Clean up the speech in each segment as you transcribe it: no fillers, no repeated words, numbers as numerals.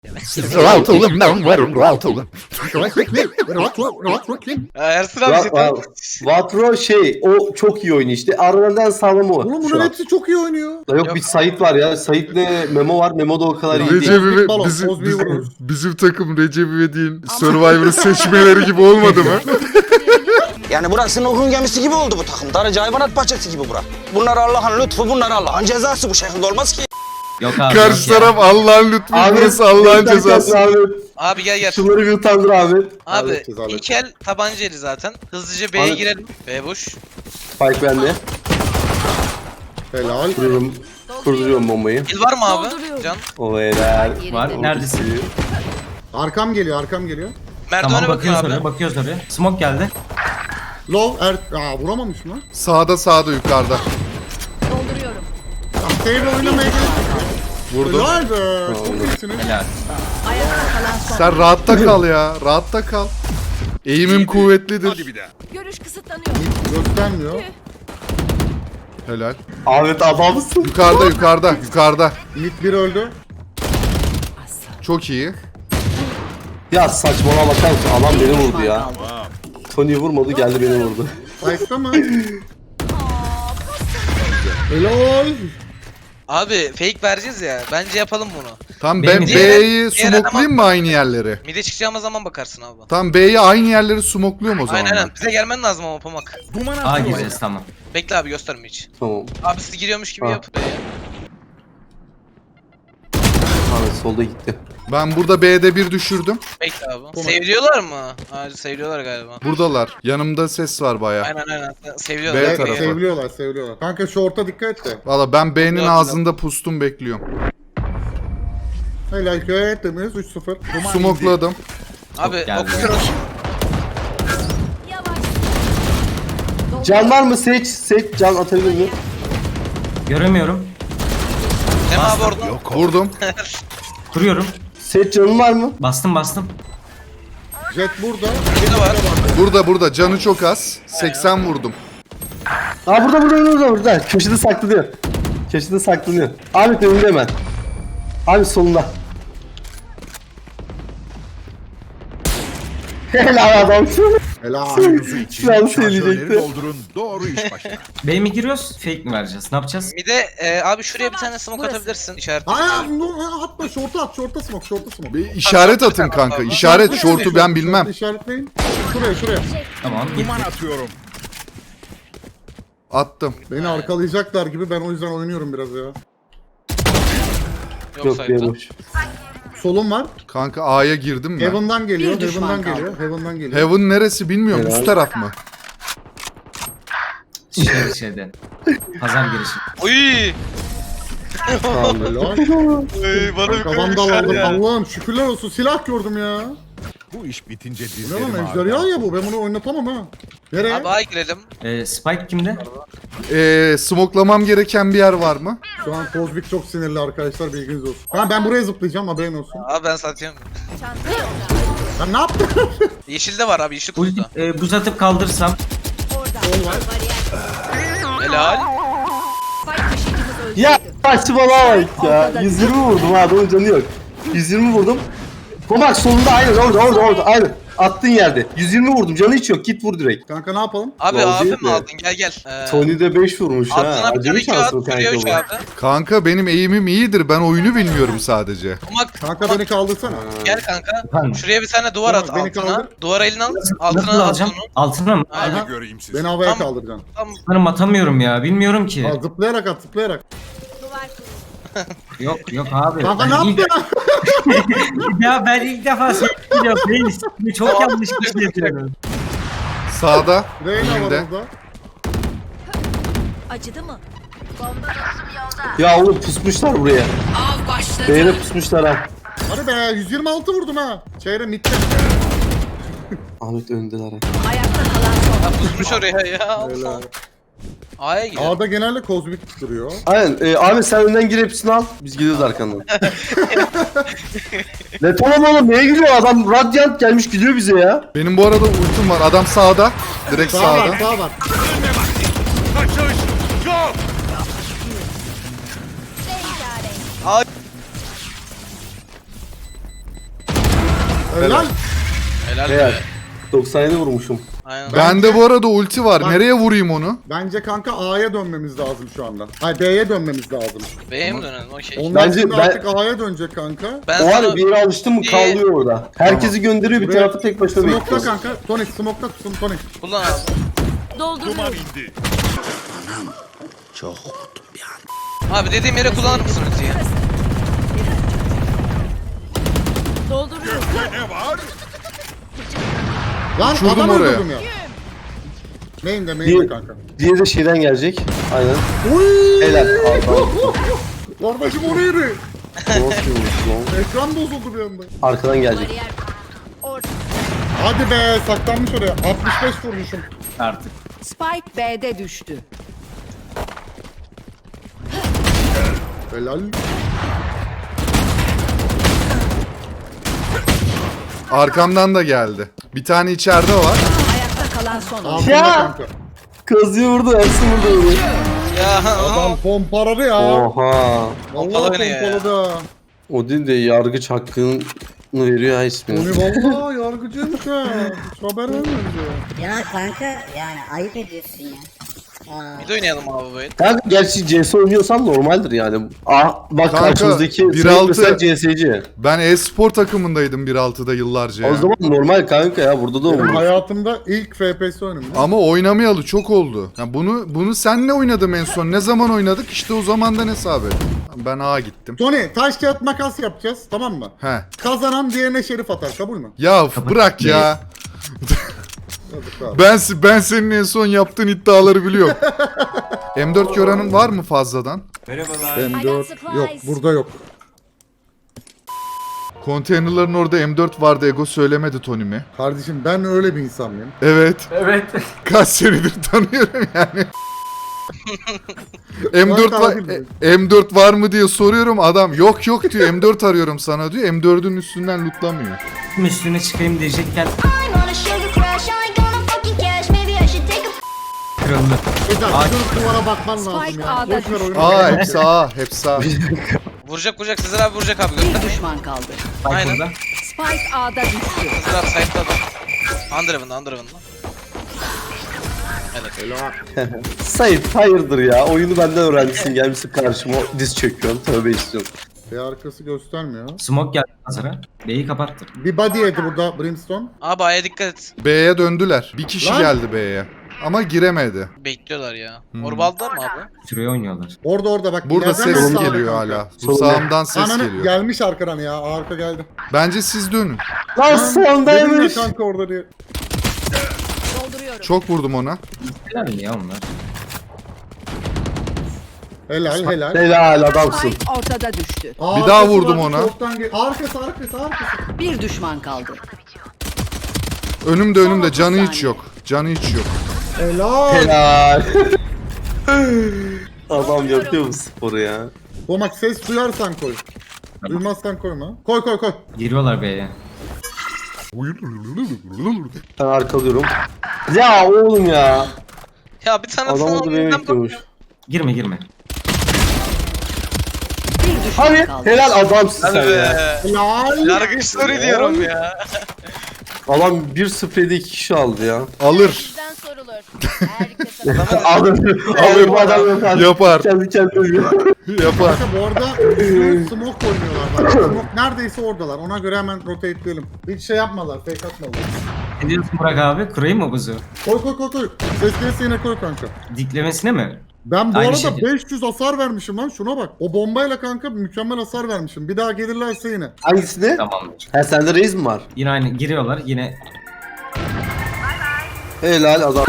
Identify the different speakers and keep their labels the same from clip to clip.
Speaker 1: Rahat olun lan, varım rahat olun.
Speaker 2: Ersin abi
Speaker 3: Vatro o çok iyi oynuyor işte. Aralardan sağlam o.
Speaker 4: Oğlum
Speaker 3: şu
Speaker 4: bunların
Speaker 3: an.
Speaker 4: hepsi çok iyi oynuyor.
Speaker 3: Yok bir Sait var ya. Sait'le Memo var. Memo da o kadar iyi değil.
Speaker 1: Recep İve-
Speaker 4: Balon,
Speaker 1: bizim,
Speaker 4: Ozbi'yi vururuz.
Speaker 1: bizim takım Recep İvedik'in Survivor'ı seçmeleri gibi olmadı mı?
Speaker 5: Yani burası Nuh'un gemisi gibi oldu bu takım. Darıca hayvanat bahçesi gibi bura. Bunlar Allah'ın lütfu, bunlar Allah'ın cezası. Bu şekilde olmaz ki.
Speaker 6: Yok abi.
Speaker 1: Karşı taraf Allah'ın lütfu, burası Allah'ın cezası.
Speaker 2: Abi gel.
Speaker 3: Şunları bir utandır Ahmet.
Speaker 2: Abi
Speaker 4: Halledeceğiz.
Speaker 2: ilk el tabanca eli zaten. Hızlıca B'ye
Speaker 3: Ahmet.
Speaker 2: girelim. B boş.
Speaker 3: Spike bende.
Speaker 4: Helal.
Speaker 3: Kurduruyorum bombayı.
Speaker 2: El var mı abi? Can.
Speaker 3: O helal.
Speaker 6: Var. Neredesin?
Speaker 4: Arkam geliyor.
Speaker 2: Merdivene
Speaker 6: Tamam
Speaker 2: bakıyor
Speaker 6: bakıyoruz
Speaker 2: abi.
Speaker 6: oraya. Bakıyoruz oraya. Smoke geldi.
Speaker 4: Vuramamış mı?
Speaker 1: Sağda yukarıda.
Speaker 7: Dolduruyorum.
Speaker 4: Tamam, save oynamaya gerek yok.
Speaker 1: Vurdum.
Speaker 4: Helal be. Çok iyisiniz.
Speaker 6: Helal.
Speaker 7: Ayakta kalan son.
Speaker 1: Sen rahatta kal ya, rahatta kal. Eğimim kuvvetlidir.
Speaker 7: Görüş kısıtlanıyor.
Speaker 4: Göstermiyor.
Speaker 1: Helal.
Speaker 3: Ahmet adamsın.
Speaker 1: Yukarıda.
Speaker 4: Mid 1 öldü.
Speaker 1: Çok iyi.
Speaker 3: Ya saçmalama bakar mısın? Adam beni vurdu ya. Tony vurmadı geldi beni vurdu.
Speaker 4: Ayakta mı? Helal.
Speaker 2: Abi fake vereceğiz ya. Bence yapalım bunu.
Speaker 1: Tam
Speaker 6: Benim
Speaker 1: ben
Speaker 6: diğer-
Speaker 1: B'yi smoklayayım mı aynı yerleri?
Speaker 2: Mide çıkacağımız zaman bakarsın abi.
Speaker 1: Tam B'yi aynı yerleri smokluyorum o zaman.
Speaker 2: Aynen
Speaker 1: ben.
Speaker 2: aynen. Bize gelmen lazım ama Pamak.
Speaker 6: A gireceğiz tamam.
Speaker 2: Bekle abi gösterme hiç.
Speaker 3: Tamam.
Speaker 2: Abi siz giriyormuş gibi
Speaker 3: Ha.
Speaker 2: yap B'ye.
Speaker 3: Ahmet solda gitti.
Speaker 1: Ben burada B'de bir düşürdüm.
Speaker 2: Bekle abi. Seviliyorlar mı? Hayır seviliyorlar galiba.
Speaker 1: Buradalar. Yanımda ses var baya.
Speaker 2: Aynen. Seviliyorlar.
Speaker 1: B
Speaker 4: Evet,
Speaker 1: tarafı.
Speaker 4: seviliyorlar. Kanka şorta dikkat et de.
Speaker 1: Valla ben B'nin
Speaker 2: Yok,
Speaker 1: ağzında pustum bekliyorum.
Speaker 4: Helal köye ettiniz 3-0.
Speaker 1: Smokladım.
Speaker 2: Abi
Speaker 6: geldi.
Speaker 2: okuyoruz.
Speaker 7: Yavaş.
Speaker 3: Can var mı? Seç can atabilir mi?
Speaker 6: Göremiyorum.
Speaker 2: Hem abi orada.
Speaker 1: Vurdum.
Speaker 6: Kuruyorum.
Speaker 3: Seç canın var mı?
Speaker 6: Bastım.
Speaker 4: Jet burada.
Speaker 2: Bir de var.
Speaker 1: Burada. Canı çok az. 80 vurdum.
Speaker 3: Aa burada. Köşede saklanıyor. Ahmet önünde hemen. Abi solunda. Helal adamsın.
Speaker 4: Helal.
Speaker 3: Şu an söyleyecekti.
Speaker 1: doldurun. Doğru iş başına.
Speaker 6: B mi giriyoruz? Fake mi vereceğiz? Ne yapacağız?
Speaker 2: Mide abi şuraya bir tane smoke atabilirsin. İşaret.
Speaker 4: Atma şorta smoke.
Speaker 1: Bir işaret atın kanka. İşaret. Şortu ben bilmem.
Speaker 4: İşaretleyin. Şuraya.
Speaker 6: Tamam.
Speaker 1: Attım.
Speaker 4: Beni arkalayacaklar gibi ben o yüzden oynuyorum biraz ya.
Speaker 2: Yok
Speaker 3: Yok
Speaker 2: sayıda.
Speaker 3: boş.
Speaker 4: Solum var.
Speaker 1: Kanka A'ya girdim ben.
Speaker 4: Heaven'dan geliyor.
Speaker 7: Bir düşman kaldı.
Speaker 4: Heaven'dan geliyor.
Speaker 1: Heaven neresi bilmiyorum.
Speaker 3: Helal.
Speaker 1: Üst taraf mı?
Speaker 6: Şeyden. Pazar girişi.
Speaker 2: Oy!
Speaker 3: Tamam.
Speaker 4: Helal.
Speaker 2: Bana bir
Speaker 4: Kafamda
Speaker 2: koymuşlar
Speaker 4: aldım.
Speaker 2: ya.
Speaker 4: Allah'ım şükürler olsun silah gördüm ya.
Speaker 1: Bu iş bitince
Speaker 4: Ne lan ejderha ya bu. Ben bunu oynatamam ha. Nereye?
Speaker 2: Abi A'ya girelim.
Speaker 6: Spike kimde?
Speaker 1: Smoklamam gereken bir yer var mı?
Speaker 4: Şu an Kozmik çok sinirli arkadaşlar bilginiz olsun. Ben buraya zıplayacağım haberin olsun.
Speaker 2: Abi ben satıyorum.
Speaker 7: Çanta yolda.
Speaker 4: Ben ne yaptım?
Speaker 2: Yeşilde var abi yeşil
Speaker 6: Ulti,
Speaker 2: kutuda.
Speaker 6: buz atıp kaldırsam.
Speaker 7: Orada.
Speaker 2: Helal.
Speaker 7: Spike taşıyıcımız öldü.
Speaker 3: Ya saçmalama bak ya. 120 vurdum ha adamın canı yok. 120 vurdum. Komak solunda aynen orada aynen. Attığın yerde. 120 vurdum canı hiç yok git vur direkt.
Speaker 4: Kanka ne yapalım?
Speaker 2: Abi
Speaker 3: Gol
Speaker 2: abi
Speaker 3: değil
Speaker 2: mi
Speaker 3: mi?
Speaker 2: aldın gel.
Speaker 3: Tony de 5 vurmuş ha.
Speaker 2: Altına bir
Speaker 3: Acemi
Speaker 2: tane
Speaker 3: şanslı
Speaker 2: at. Şuraya üç
Speaker 3: kanka bu.
Speaker 2: abi.
Speaker 1: Kanka benim eğimim iyidir. Ben oyunu bilmiyorum sadece.
Speaker 4: Kanka beni kaldırsana.
Speaker 2: Gel kanka.
Speaker 6: Efendim?
Speaker 2: Şuraya bir tane duvar at
Speaker 4: Tamam, beni
Speaker 2: altına.
Speaker 4: kaldır.
Speaker 2: Duvara elini al.
Speaker 6: Nasıl
Speaker 2: Altına at
Speaker 6: alacağım?
Speaker 2: onu.
Speaker 6: Altına mı?
Speaker 2: Aynen.
Speaker 4: Beni havaya
Speaker 2: Tamam.
Speaker 4: kaldıracaksın.
Speaker 2: Tamam.
Speaker 6: Sanırım atamıyorum ya. Bilmiyorum ki.
Speaker 4: Ha, zıplayarak at zıplayarak.
Speaker 6: Yok abi.
Speaker 4: Kanka
Speaker 6: Ben
Speaker 4: ne
Speaker 6: ilk-
Speaker 4: yaptın?
Speaker 6: Ya ben ilk defa söylüyorum. Reis. Çok yanlış bir şey yapıyorum.
Speaker 1: Sağda.
Speaker 4: Reyna var
Speaker 1: Elimde.
Speaker 4: orada.
Speaker 7: Acıdı mı?
Speaker 3: Ya oğlum pusmuşlar buraya.
Speaker 7: Av başladı.
Speaker 3: Beyne pusmuşlar ha.
Speaker 4: Hadi be 126 vurdum ha. Çeyre mitte.
Speaker 3: Ahmet öndeler ha.
Speaker 7: Ayakta kalan son.
Speaker 2: Ya pusmuş oraya ya. Allah. A'ya girelim.
Speaker 4: A'da genelde Kozmik duruyor.
Speaker 3: Aynen. Ahmet sen önden gir hepsini al. Biz gidiyoruz arkandan. Ne tamam oğlum neye gidiyor adam Radiant gelmiş gidiyor bize ya.
Speaker 1: Benim bu arada ultim var. Adam sağda. Direkt
Speaker 4: Sağ
Speaker 1: sağda.
Speaker 4: var sağ var. Helal.
Speaker 2: Helal
Speaker 3: Helal.
Speaker 2: be.
Speaker 3: 97 vurmuşum.
Speaker 2: Aynen.
Speaker 1: Bende bu arada ulti var.
Speaker 4: Bak.
Speaker 1: Nereye vurayım onu?
Speaker 4: Bence kanka A'ya dönmemiz lazım şu anda. Hayır B'ye dönmemiz lazım.
Speaker 2: B'ye mi dönelim? Okey.
Speaker 4: Onlar
Speaker 3: Bence
Speaker 4: şimdi
Speaker 3: ben-
Speaker 4: artık A'ya dönecek kanka.
Speaker 2: Ben
Speaker 3: O var ya
Speaker 2: sana
Speaker 3: bir yere alıştın mı kallıyor orada. Herkesi gönderiyor bir
Speaker 4: Buraya
Speaker 3: tarafı tek başına
Speaker 4: Smoke'la
Speaker 3: bekliyor.
Speaker 4: kanka. Tonic smoke'la tutun Tonic.
Speaker 2: kullan abi.
Speaker 7: Dolduruyorum.
Speaker 2: Abi dediğim yere kullanır mısın ultiyi?
Speaker 7: Dolduruyorum.
Speaker 4: Lan
Speaker 1: Uçurdum
Speaker 4: adam
Speaker 1: oraya.
Speaker 4: öldürdüm ya. Main'de kanka.
Speaker 3: Diğeri de şeyden gelecek. Aynen. Helal. Allah.
Speaker 4: Kardeşim oraya yürü.
Speaker 3: Nasıl vurmuş lan?
Speaker 4: Ekran bozuldu bir anda.
Speaker 3: Arkadan gelecek.
Speaker 7: Bariyer. Orada.
Speaker 4: Hadi be saklanmış oraya. 65 vurmuşum.
Speaker 6: Artık.
Speaker 7: Spike B'de düştü.
Speaker 4: Helal.
Speaker 1: Arkamdan da geldi. Bir tane içeride var.
Speaker 7: Ayakta kalan son oyuncu.
Speaker 4: Altında
Speaker 3: Ya!
Speaker 4: kanka.
Speaker 3: Kazıyı vurdu. Ersin vurdu.
Speaker 2: Ya
Speaker 4: Adam pompaladı ya.
Speaker 3: Oha.
Speaker 4: Vallahi
Speaker 2: Pompaladı beni ya.
Speaker 4: pompaladı.
Speaker 3: O değil de yargıç hakkını veriyor ha ismini.
Speaker 4: Onu vallahi yargıcıymış ha. Hiç haber vermedi.
Speaker 8: Ya kanka yani ayıp ediyorsun ya.
Speaker 2: bir de oynayalım abi böyle.
Speaker 3: Kanka gerçi CS oynuyorsan normaldir yani. Bak
Speaker 1: Kanka,
Speaker 3: karşımızdaki
Speaker 1: 1.6
Speaker 3: mesela CS'ci.
Speaker 1: Ben e-spor takımındaydım 1.6'da yıllarca ya.
Speaker 3: O zaman normal kanka ya burada da
Speaker 4: Benim
Speaker 3: olur.
Speaker 4: hayatımda ilk FPS oyunum.
Speaker 1: Ama oynamayalı çok oldu. Ya bunu senle oynadım en son. Ne zaman oynadık? İşte o zamandan hesap et. Ben A'ya gittim.
Speaker 4: Tony taş kağıt makas yapacağız tamam mı?
Speaker 1: He.
Speaker 4: Kazanan diğerine şerif atar kabul mü?
Speaker 1: Ya bırak ya.
Speaker 4: Yazıklar.
Speaker 1: Ben senin en son yaptığın iddiaları biliyorum. M4 görenin var mı fazladan?
Speaker 4: M4 yok burada yok.
Speaker 1: Konteynerların orada M4 vardı. Ego söylemedi Tony mi?
Speaker 4: Kardeşim ben öyle bir insan mıyım?
Speaker 1: Evet.
Speaker 6: Evet.
Speaker 1: Kaç senedir tanıyorum yani. M4 var, M4 var mı diye soruyorum, adam yok yok diyor, M4 arıyorum sana diyor, M4'ün üstünden lootlamıyor.
Speaker 6: Üstüne çıkayım diyecekken kırıldı.
Speaker 4: Güzel
Speaker 6: Ay.
Speaker 4: şu duvara bakman lazım
Speaker 7: Spike
Speaker 4: ya.
Speaker 7: A'da
Speaker 4: Boş ver
Speaker 7: düştü.
Speaker 4: oyunu.
Speaker 1: Aa hepsi A, hepsi A.
Speaker 2: Vuracak Sezer abi vuracak abi
Speaker 7: Bir
Speaker 2: göstermeyin.
Speaker 7: düşman kaldı.
Speaker 2: Aynen.
Speaker 6: Burada.
Speaker 7: Spike A'da düştü.
Speaker 2: Sezer abi site'da adam. Underhaven'da. Evet.
Speaker 3: Sait hayırdır ya oyunu benden öğrenmişsin gelmişsin karşıma diz çöküyorsun tövbe istiyorsun.
Speaker 4: Bir arkası göstermiyor.
Speaker 6: Smoke geldi hazıra. B'yi kapattı.
Speaker 4: Bir body yedi burada Brimstone.
Speaker 2: Abi A'ya dikkat et.
Speaker 1: B'ye döndüler. Bir kişi
Speaker 4: Lan.
Speaker 1: geldi B'ye. Ama giremedi.
Speaker 2: Bekliyorlar ya. Orbal'da mı abi?
Speaker 6: Süreye oynuyorlar.
Speaker 4: Orada bak.
Speaker 1: Burada
Speaker 4: ileriden
Speaker 1: ses
Speaker 4: mi sağda
Speaker 1: geliyor
Speaker 4: kanka?
Speaker 1: hala. Bu sağımdan ses
Speaker 4: Ananı
Speaker 1: geliyor.
Speaker 4: gelmiş arkadan ya. Arka geldi.
Speaker 1: Bence siz dönün.
Speaker 3: Lan
Speaker 4: Dedim ya
Speaker 3: sondaymış.
Speaker 4: kanka orada diye.
Speaker 7: Dolduruyorum.
Speaker 1: Çok vurdum ona.
Speaker 6: Helal mi ya onlar?
Speaker 4: Helal.
Speaker 3: Helal adamsın.
Speaker 7: Spike ortada düştü.
Speaker 1: Bir daha vurdum ona.
Speaker 4: Arkası.
Speaker 7: Bir düşman kaldı.
Speaker 1: Önümde canı
Speaker 7: Son
Speaker 1: hiç
Speaker 7: 30
Speaker 1: yok. Canı hiç yok.
Speaker 4: Helal.
Speaker 3: Helal. Adam yapıyor bu sporu ya.
Speaker 4: Bomak ses duyarsan koy. Duymazsan koyma. Koy.
Speaker 6: Giriyorlar B'ye.
Speaker 3: Ben arkalıyorum. Ya oğlum ya.
Speaker 2: Ya bir tane
Speaker 3: Adam
Speaker 2: sana
Speaker 3: orada beni
Speaker 2: oyundan
Speaker 3: bekliyormuş.
Speaker 2: bakıyor.
Speaker 6: Girme.
Speaker 7: Bir düşman
Speaker 3: Hadi
Speaker 7: kaldı.
Speaker 3: helal adamsın
Speaker 2: Hadi
Speaker 3: sen
Speaker 2: be.
Speaker 3: ya.
Speaker 4: Helal.
Speaker 2: Yargıç story diyorum ya.
Speaker 3: Adam 1-0'da 2 kişi aldı ya.
Speaker 1: Alır.
Speaker 3: Alır bu adam yok artık.
Speaker 1: Yapar.
Speaker 3: Kendi kendine
Speaker 1: Yapar.
Speaker 4: Kanka bu arada smoke oynuyorlar bak. Smoke neredeyse oradalar. Ona göre hemen rotateleyelim. Hiç şey yapmadılar. Fake atmadılar.
Speaker 6: Ne diyorsun Burak abi? Kurayım mı buzu?
Speaker 4: Koy. Ses gelirse yine koy kanka.
Speaker 6: Diklemesine mi?
Speaker 4: Ben bu
Speaker 6: Aynı
Speaker 4: arada
Speaker 6: şekilde.
Speaker 4: 500 hasar vermişim lan şuna bak. O bombayla kanka mükemmel hasar vermişim. Bir daha gelirlerse yine.
Speaker 3: Hangisini?
Speaker 6: Tamamdır.
Speaker 3: Ha sende reis mi var?
Speaker 6: Yine aynı giriyorlar yine.
Speaker 3: Helal adam.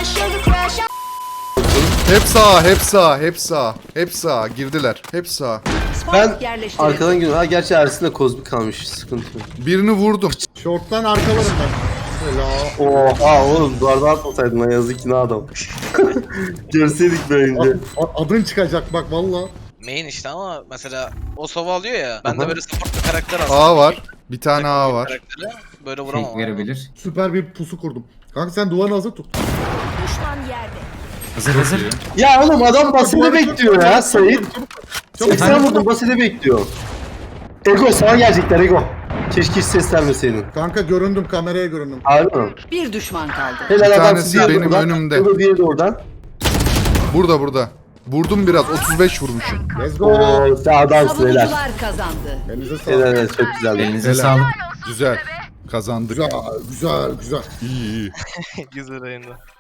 Speaker 1: Hep sağ. Girdiler. Hep sağ.
Speaker 7: Spike
Speaker 3: Ben
Speaker 7: yerleştirildi.
Speaker 3: arkadan gidiyorum. Ha gerçi Ersin'de kozmik kalmış. Sıkıntı yok.
Speaker 1: Birini vurdum.
Speaker 4: Short'tan arkalarım ben. Helal.
Speaker 3: Oha oğlum duvarda atmasaydın lan yazık ki ne adam. Görseydik bence.
Speaker 4: Adın çıkacak bak valla.
Speaker 2: Main işte ama mesela o sova alıyor ya. Ben de
Speaker 3: Aha.
Speaker 2: böyle support bir karakter aslında.
Speaker 1: A var. Bir tane A var.
Speaker 2: Karakteri böyle vuramam.
Speaker 6: Fake verebilir.
Speaker 4: Süper bir pusu kurdum. Kanka sen duvarı hazır tut.
Speaker 7: Düşman yerde.
Speaker 6: Hazır.
Speaker 3: Ya oğlum adam basını
Speaker 4: Duvarı
Speaker 3: bekliyor
Speaker 4: tut,
Speaker 3: ya
Speaker 4: çabuk,
Speaker 3: Sait.
Speaker 4: çabuk.
Speaker 3: 80 vurdum basını bekliyor. Ego sana gelecekler Ego. Keşke hiç ses vermeseydin.
Speaker 4: Kanka göründüm, kameraya göründüm.
Speaker 3: Harbi mi?
Speaker 7: Bir düşman kaldı.
Speaker 3: Helal
Speaker 1: Bir
Speaker 3: adam,
Speaker 1: tanesi
Speaker 3: diğeri
Speaker 1: benim
Speaker 3: oradan,
Speaker 1: önümde.
Speaker 3: öbür diğeri de oradan.
Speaker 1: Burada. Vurdum biraz. 35 vurmuşum.
Speaker 4: Let's go.
Speaker 3: Oo sen adamsın helal.
Speaker 7: Savunucular kazandı.
Speaker 4: Elinize sağlık.
Speaker 3: Helal helal çok güzel.
Speaker 6: Elinize
Speaker 1: Helal.
Speaker 6: sağlık.
Speaker 1: Güzel. Kazandık.
Speaker 4: Güzel.
Speaker 1: İyi.
Speaker 2: Güzel oyundu.